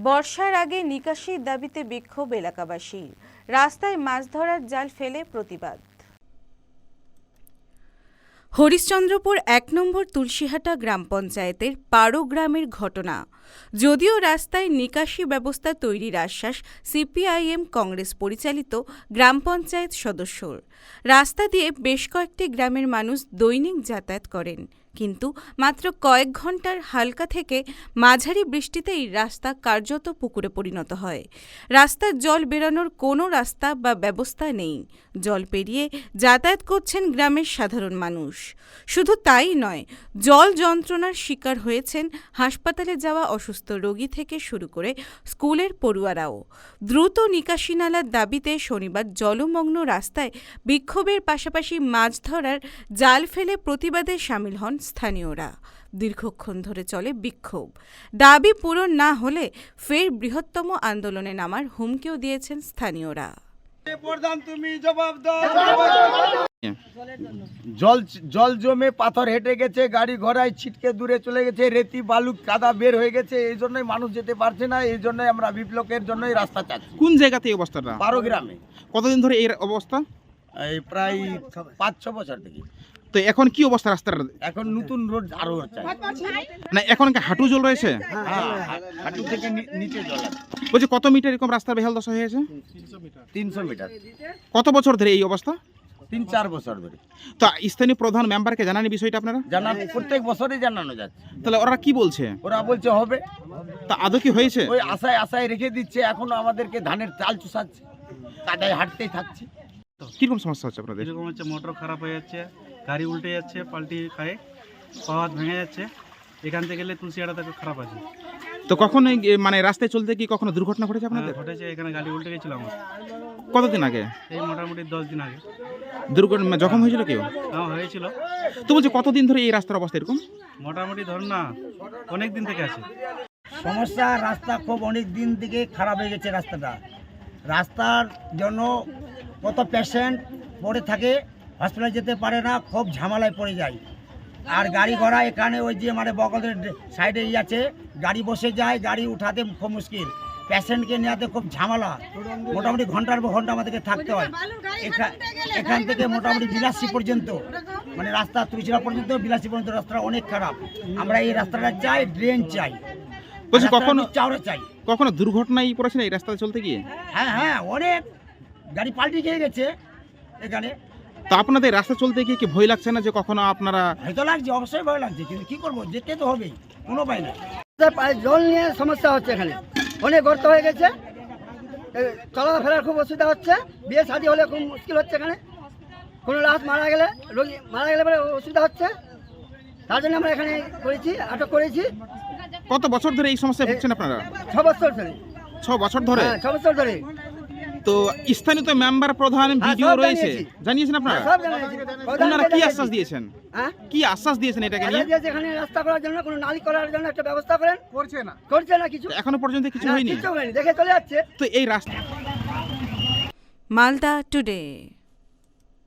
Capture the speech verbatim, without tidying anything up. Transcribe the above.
বর্ষার আগে নিকাশির দাবিতে বিক্ষোভ এলাকাবাসীর, রাস্তায় মাছ ধরার জাল ফেলে প্রতিবাদ। হরিশ্চন্দ্রপুর এক নম্বর তুলসীহাটা গ্রাম পঞ্চায়েতের পাড়ো গ্রামের ঘটনা। যদিও রাস্তায় নিকাশি ব্যবস্থা তৈরির আশ্বাস সিপিআইএম কংগ্রেস পরিচালিত গ্রাম পঞ্চায়েত সদস্যর, রাস্তা দিয়ে বেশ কয়েকটি গ্রামের মানুষ দৈনিক যাতায়াত করেন, কিন্তু মাত্র কয়েক ঘন্টার হালকা থেকে মাঝারি বৃষ্টিতেই রাস্তা কার্যত পুকুরে পরিণত হয়। রাস্তার জল বেরোনোর কোনো রাস্তা বা ব্যবস্থা নেই। জল পেরিয়ে যাতায়াত করছেন গ্রামের সাধারণ মানুষ। শুধু তাই নয়, জল যন্ত্রণার শিকার হয়েছেন হাসপাতালে যাওয়া অসুস্থ রোগী থেকে শুরু করে স্কুলের পড়ুয়ারাও। দ্রুত নিকাশি নালার দাবিতে শনিবার জলমগ্ন রাস্তায় বিক্ষোভের পাশাপাশি মাছ ধরার জাল ফেলে প্রতিবাদে সামিল হন স্থানীয়রা। দীর্ঘক্ষণ ধরে চলে বিক্ষোভ। দাবি পূরণ না হলে ফের বৃহত্তম আন্দোলনে নামার হুমকিও দিয়েছেন স্থানীয়রা। জল জল জমে পাথর হেঁটে গেছে, গাড়ি ঘোড়ায় ছিটকে দূরে চলে গেছে, রেতি বালু কাদা বের হয়ে গেছে, এই জন্যই মানুষ যেতে পারছে না। এই জন্যই আমরা বিপ্লবের জন্যই রাস্তা চাচ্ছি। কোন জায়গাতে এই অবস্থাটা? পাড়ো গ্রামে। কতদিন ধরে এই অবস্থা? এই প্রায় পাঁচ ছ বছর থেকে। তো এখন কি অবস্থা রাস্তার? এখন নতুন রোড আরো চাই। না এখন কি হাঁটু জল রয়েছে? হ্যাঁ, হাঁটু থেকে নিচে জল আছে। বলছি কত মিটার এরকম রাস্তার বেহাল দশা হয়েছে? তিনশো মিটার। কত বছর ধরে এই অবস্থা? তিন চার বছর ধরে। তো স্থানীয় প্রধান মেম্বারকে জানানি বিষয়টা আপনারা? জানানো, প্রত্যেক বছরই জানানো যাচ্ছে। তাহলে ওরা কি বলছে? ওরা বলছে হবে। তা আদৌ কি হয়েছে? ওই আশায় আশায় রেখে দিচ্ছে, এখনো আমাদেরকে ধানের চাল চুষাচ্ছে, কাদায় হাঁটতেই থাকছি। কিরকম সমস্যা হচ্ছে আপনাদের? এরকম হচ্ছে, মোটর খারাপ হয়ে যাচ্ছে, গাড়ি উল্টে যাচ্ছে, পাল্টি খায়, পাওয়াত ভেঙে যাচ্ছে। এখান থেকে গেলে তুলসিয়াটা থেকে খারাপ আছে। তো কখন মানে রাস্তায় চলতে কি কখনো দুর্ঘটনা ঘটেছে আপনাদের? ঘটেছে, এখানে গাড়ি উল্টে গেছিল আমার। কতদিন আগে? এই মোটামুটি দশ দিন আগে। দুর্ঘটনা জখম হয়েছিল কেউ? হ্যাঁ হয়েছিল। তো বলছি কতদিন ধরে এই রাস্তার অবস্থা এরকম? মোটামুটি ধরুন না, অনেক দিন থেকে আছে সমস্যা। রাস্তা খুব অনেক দিন থেকে খারাপ হয়ে গেছে। রাস্তাটা রাস্তার জন্য কত পেশেন্ট পড়ে থাকে, হসপিটালে যেতে পারে না, খুব ঝামেলায় পড়ে যায়। আর গাড়ি ঘোড়া এখানে ওই যে মানে বগলের সাইডে ই আছে, গাড়ি বসে যায়, গাড়ি উঠাতে খুব মুশকিল, পেশেন্টকে নেওয়াতে খুব ঝামেলা। মোটামুটি ঘন্টার পর ঘন্টা আমাদেরকে থাকতে হয়। এখান থেকে মোটামুটি বিলাসী পর্যন্ত, মানে রাস্তা তুলসিরা পর্যন্ত বিলাসী পর্যন্ত রাস্তাটা অনেক খারাপ। আমরা এই রাস্তাটা চাই, ড্রেন চাই। বলছি কখনো চাওড়া চাই। কখনো দুর্ঘটনায় পড়েছে না এই রাস্তায় চলতে গিয়ে? হ্যাঁ হ্যাঁ, অনেক গাড়ি পাল্টি খেয়ে গেছে এখানে। তো আপনাদের রাস্তা চলতে গিয়ে কি ভয় লাগছে না যে কখনো আপনারা? হয়তো লাগছে, অবশ্যই ভয় লাগছে, কিন্তু কি করবো, যেতে তো হবেই, কোনো উপায় নেই। জল নিয়ে সমস্যা হচ্ছে, এখানে অনেক গর্ত হয়ে গেছে, চলাফেরার খুব অসুবিধা হচ্ছে, বিয়ে শাদী হলে খুব মুশকিল হচ্ছে। এখানে কোনো লাশ মারা গেলে, রোগী মারা গেলে পরে অসুবিধা হচ্ছে। তার জন্য আমরা এখানে করেছি, আটক করেছি। কত বছর ধরে এই সমস্যায় ভুগছেন আপনারা? ছ বছর ধরে। ছ বছর ধরে? ছ বছর ধরে। তো স্থানীয় তো মেম্বার প্রধান ভিডিও রয়েছে, জানিয়েছেন আপনারা? সব জানিয়েছি। আপনারা কি আশ্বাস দিয়েছেন? হ্যাঁ, কি আশ্বাস দিয়েছেন এটাকে নিয়ে? এখানে রাস্তা করার জন্য, কোনো নালী করার জন্য একটা ব্যবস্থা করেন। করছে না, করছে না কিছু, এখনো পর্যন্ত কিছু হয়নি। কিছু হয়নি, দেখে চলে যাচ্ছে। তো এই রাস্তা। মালদা টুডে।